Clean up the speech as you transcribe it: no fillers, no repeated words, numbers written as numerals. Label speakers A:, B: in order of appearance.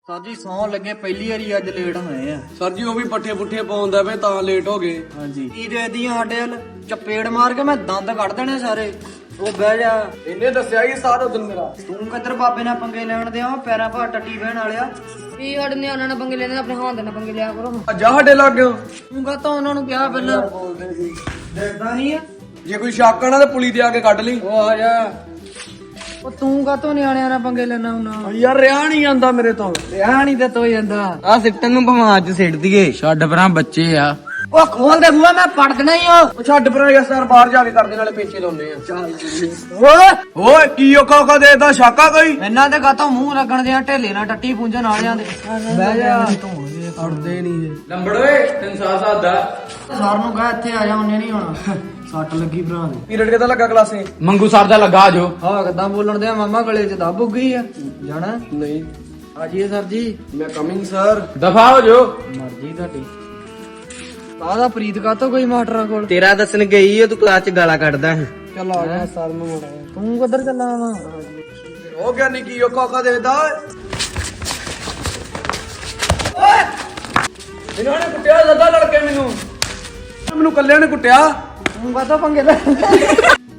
A: Sir ਜੀ ਸੌਂ ਲੱਗੇ ਪਹਿਲੀ ਵਾਰੀ ਅੱਜ ਲੇਟ ਹੋਏ ਆ।
B: ਸਰ ਜੀ ਉਹ ਵੀ ਪੱਠੇ ਪੁੱਠੇ ਪਾਉਂਦਾ ਵੇ ਤਾਂ ਲੇਟ ਹੋ ਗਏ।
A: ਹਾਂਜੀ ਕੀ ਦੇਦੀਆਂ ਸਾਡੇ ਵੱਲ ਚਪੇੜ ਮਾਰ ਕੇ ਮੈਂ ਦੰਦ ਕੱਢ ਦੇਣੇ ਸਾਰੇ। ਉਹ ਬਹਿ ਜਾ।
B: ਇਹਨੇ ਦੱਸਿਆ ਹੀ ਸਾਰਾ ਦਿਨ ਮੇਰਾ।
A: ਤੂੰ ਕਿੱਧਰ ਬਾਬੇ ਨਾਲ ਪੰਗੇ ਲੈਣ ਦਿਆ ਪੈਰਾਂ ਭਾਰ ਟੱਟੀ ਬਹਿਣ ਵਾਲਿਆ।
C: ਵੀ ਸਾਡੇ ਨਿਆਣਿਆਂ ਨਾਲ ਪੰਗੇ ਲੈਣੇ ਆਪਣੇ ਹਾਂ ਦੇ ਨਾਲ ਪੰਗੇ ਲਿਆ ਕਰੋ।
B: ਅੱਜ ਸਾਡੇ ਲੱਗ ਗਿਆ।
A: ਤੂੰ ਕਹਤਾ ਉਹਨਾਂ ਨੂੰ ਕਿਹਾ ਪਹਿਲਾਂ ਦੇਖਦਾ ਨਹੀਂ ਆ।
B: ਜੇ ਕੋਈ ਸ਼ੱਕ ਆਣਾ ਤੇ ਪੁਲੀ ਤੇ ਆ ਕੇ ਕੱਢ ਲਈ।
A: ਉਹ ਆ ਜਾ। ਉਹ ਤੂੰ ਕਾਤੋਂ ਨਿਆਣਿਆਂ ਨਾਲ ਪੰਗੇ ਲੈਣਾ ਹੁੰਨਾ
B: ਯਾਰ ਰਿਆ ਨਹੀਂ ਜਾਂਦਾ ਮੇਰੇ ਤੋਂ।
A: ਰਿਆ ਨਹੀਂ ਤੇ ਤੋ ਜਾਂਦਾ।
D: ਆ ਸਿੱਟਣ ਨੂੰ ਭਵਾਂ ਅੱਜ ਸਿੱਟ ਦਈਏ। ਛੱਡ ਪਰਾਂ ਬੱਚੇ ਆ।
A: ਉਹ ਖੋਲ ਦੇ ਬੂਆ ਮੈਂ ਪੜ ਦੇਣਾ ਹੀ
B: ਉਹ ਛੱਡ ਪਰਾਂ ਯਾਰ ਸਰ ਬਾਹਰ ਜਾ ਕੇ ਕਰਦੇ ਨਾਲੇ ਪੇਚੇ ਲਾਉਨੇ ਆ।
A: ਓਏ
B: ਓਏ ਕੀ ਔਖਾ ਦੇਦਾ ਸ਼ਾਕਾ ਕੋਈ।
A: ਇਹਨਾਂ ਦੇ ਕਾਤੋਂ ਮੂੰਹ ਲੱਗਣ ਦੇ ਢੇਲੇ ਨਾਲ ਟੱਟੀ ਪੂੰਝਣ ਵਾਲਿਆਂ ਦੇ। ਬਹਿ ਜਾ।
B: ਅੜਦੇ ਨਹੀਂ ਇਹ।
D: ਲੰਬੜ ਓਏ 307 ਦਾ
A: ਸਰ ਨੂੰ ਕਹ ਇੱਥੇ ਆ ਜਾ ਉਹਨੇ ਨਹੀਂ ਹੋਣਾ। ਸੱਟ ਲੱਗੀ ਭਰਾ ਦੇ।
B: ਪੀਰੀਅਡ ਕਿਦਾਂ ਲੱਗਾ ਕਲਾਸੇ?
D: ਮੰਗੂ ਸਾਹਿਬ ਦਾ ਲੱਗਾ ਜੋ।
A: ਹਾਂ ਕਿੱਦਾਂ ਬੋਲਣ ਦੇ ਮਾਮਾ ਗਲੇ ਚ ਦੱਬ ਗਈ ਆ। ਜਾਣਾ
B: ਨਹੀਂ
A: ਆ ਜੀਏ ਸਰ ਜੀ।
B: ਮੈਂ ਕਮਿੰਗ ਸਰ।
D: ਦਫਾ ਹੋ ਜੋ।
A: ਮਰਜ਼ੀ ਤੁਹਾਡੀ। ਕਾਹਦਾ ਪ੍ਰੀਤ ਕਾਤੋਂ ਕੋਈ ਮਾਸਟਰਾਂ ਕੋਲ।
D: ਤੇਰਾ ਦੱਸਣ ਗਈ ਓ ਤੂੰ ਕਲਾਸ ਚ ਗਾਲਾਂ ਕੱਢਦਾ।
A: ਚੱਲ ਆ ਜਾ ਸਰ ਨੂੰ ਮੋੜਾ। ਤੂੰ ਕਿੱਧਰ ਚੱਲਾ ਵਾ?
B: ਉਹ ਗਿਆ ਨਹੀਂ ਕੀ ਔਖਾ ਦੇਦਾ। ਇਹਨਾਂ ਨੇ ਕੁੱਟਿਆ ਜ਼ਦਾ ਲੜਕੇ ਮੈਨੂੰ ਕੱਲਿਆਂ ਨੇ ਕੁੱਟਿਆ।
A: ਤੂੰ ਕਾਤੋਂ ਪੰਗੇ ਲੈ